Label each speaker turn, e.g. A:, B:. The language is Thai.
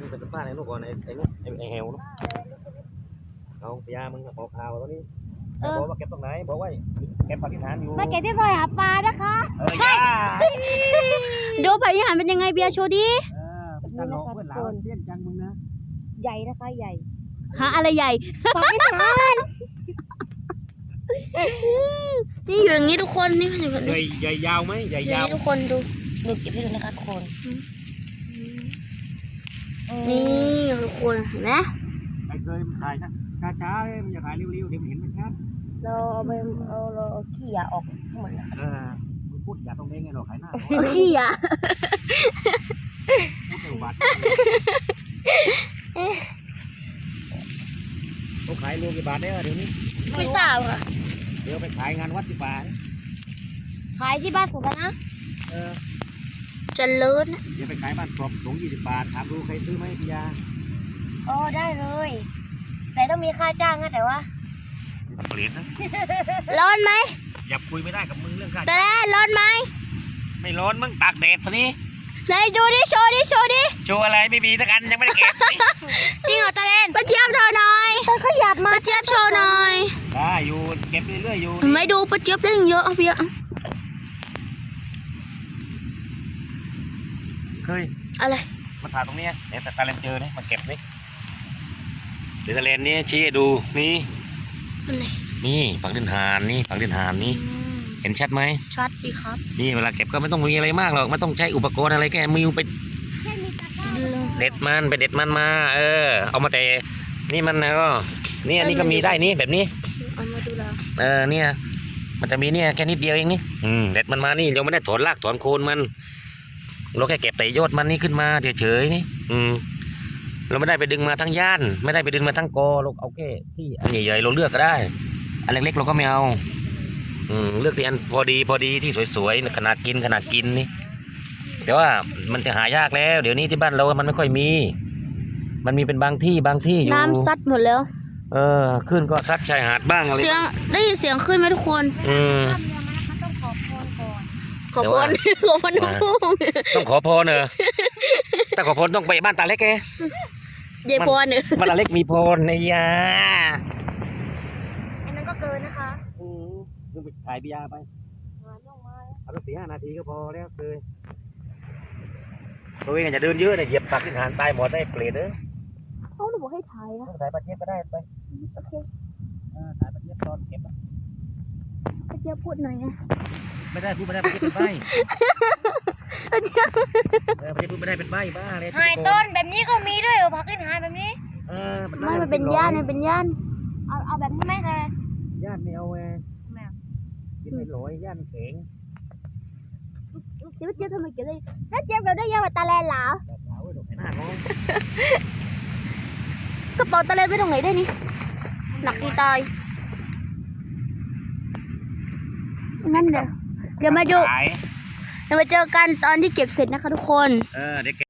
A: เป็นป้าในลูกก่อนไอ้ลูกไอ้เฮลลูกเอาพยามึงบอกข่าวตอนนี้บอกว่าเก็บตรงไหนบอกว่าเก็บปฏิฐานอยู่
B: มาเก็บที่ซอยหาปลานะคะ
A: ย่า
C: ดูปฏิหารเป็นยังไงเบียร์โชว์ดิ
A: ตลกเพื่อนหลานเตี้ยนจังมึงนะ
B: ใหญ่นะคะใหญ่
C: หาอะไรใหญ่
B: ปฏิหาร
C: นี่อยู่อย่างนี้ทุกคนนี่อยู่แบบนี้
A: ใหญ่ยาวไหมใหญ่ยาว
C: ทุกคนดู
B: เก็บให้ดูนะคะทุกคน
C: นี่ทุกคนเห็นไหม
A: ไอ้เคยถ่ายนะช้าๆมันจะถ่ายเร็วๆเดี๋ยวมันเห็นมันชัด
B: เราเอาขี้ยาออกหมด
A: มึงพูดอย่าตรงนี้ไงเราขายหน้า
C: ขี้ยา
A: พูดบัตรเขาขายรวมกี่บาทได้เดี๋ยวนี้
C: ไม่ทราบค่ะ
A: เดี๋ยวไปขายงานวัดที่ป่า
B: ขายที่บ้านผมกันนะ
C: จะเลิศนะ
A: เดี๋ยวไปขายบ้านกรอบถุง20 บาทถามดูใครซื้อไหมพี่ยา
B: ได้เลยแต่ต้องมีค่าจ้างนะแต่ว่า
A: เปลี่ยนนะ
C: ร้อนไหม
A: อย่าคุยไม่ได้กับมึงเรื่องค่า
C: แต่ร้อนไหม
A: ไม่ร้อนมึงตากแดดตอนนี้
C: ไหนดูดิโชว์ดิโชว์
A: อะไรไม่มีสักอันยังไม่ได้เก็บ
B: จริงเหรอตาเลน
C: ป้าเจี๊ยบโชว์หน่อย
B: ตาขยับมา
C: ป้าเจี๊ยบโชว์หน่อย
A: ได้อยู่เก็บเรื่อยๆอยู่
C: ไม่ดูป้าเจี๊ยบได้เยอะเพีย
A: เคย
C: อะไร
A: มาถ่ายตรงนี้เนี่ยแต่ตาเลนเจอเนี่ยมาเก็บนี่เดี๋ยวตาเลนนี่ชี้ให้ดูนี่ฝังดินหานนี่ฝังดินหานนี่เห็นชัดไหม
C: ชัดดีครับ
A: นี่เวลาเก็บก็ไม่ต้องมีอะไรมากหรอกไม่ต้องใช้อุปกรณ์อะไรแค่มือไปเด็ดมันมาเอามาแต่นี่มันก็นี่อันนี้ก็มีได้นี่แบบนี้
C: เอามาดูแล้ว
A: เนี่ยมันจะมีเนี่ยแค่นิดเดียวเองนี่เด็ดมันมานี่เราไม่ได้ถอนรากถอนโคนมันเราแค่เก็บแต่ยอดมันนี่ขึ้นมาเฉยๆนี่เราไม่ได้ไปดึงมาทั้งย่านไม่ได้ไปดึงมาทั้งกอเราเอาแค่ที่อันใหญ่ๆเราเลือกก็ได้อันเล็กๆเราก็ไม่เอาเลือกที่อันพอดีที่สวยๆขนาดกินนี่แต่ว่ามันจะหายากแล้วเดี๋ยวนี้ที่บ้านเรามันไม่ค่อยมีมันมีเป็นบางที่อยู่
C: น้ำซัดหมดแล้ว
A: ขึ้นก็ซัดชายหาดบ้างอะไร
C: เสียงได้ยินเสียงขึ้นไหมทุกคน
B: ต้องขอพรก่อน
C: ขอพรทุกผู้
A: ต้องขอพรเนอะแต่ขอพรต้องไปบ้านตาเล็กแก
C: เยพรเนอะ
A: บ้านตาเล็กมีพรในยา
B: อันนั้นก็เกินนะคะ
A: ต้องไปถ่ายพิยาไปเอาสัก4-5 นาทีก็พอแล้วเลยตัวเองจะเดินเยอะเนี่ยเหยียบตักที่ฐานตายหมดได้เปลี่ยนเด้อ
C: เขาบอกให้ถ่ายนะ
A: ถ่ายปลาเจี๊ยบก็ได้ไป
C: โอเค
A: ถ่ายปลาเจี๊ยบตอนเก็บ
C: ปลาเจี๊ยบพูดหน่อยนะ
A: ไม่ได้พูดไม่ได้ปลาเจี๊ยบเป็นใบปลาเจี๊ยบพูดไม่ได้เป็นใบบ้าเลย
B: หายต้นแบบนี้ก็มีด้วยผักกินหายแบบนี้
C: ไม่มันเป็นย่าน
B: เอาแบบนี้ไหมคะ
A: ย่านไม่เอากินไม่หลอยย่านแข็ง
C: เจี๊ยบทำไมเก็บได้แล้วเจี๊ยบเก็บได้เยอะกว่าตาแลนเหรอกระเป๋าตาแลนไปตรงไหนได้นี่หนักที่ตายงั้นเดี๋ยวมาดูเดี๋ยวมาเจอกันตอนที่เก็บเสร็จนะคะทุกคน
A: เดี๋ยว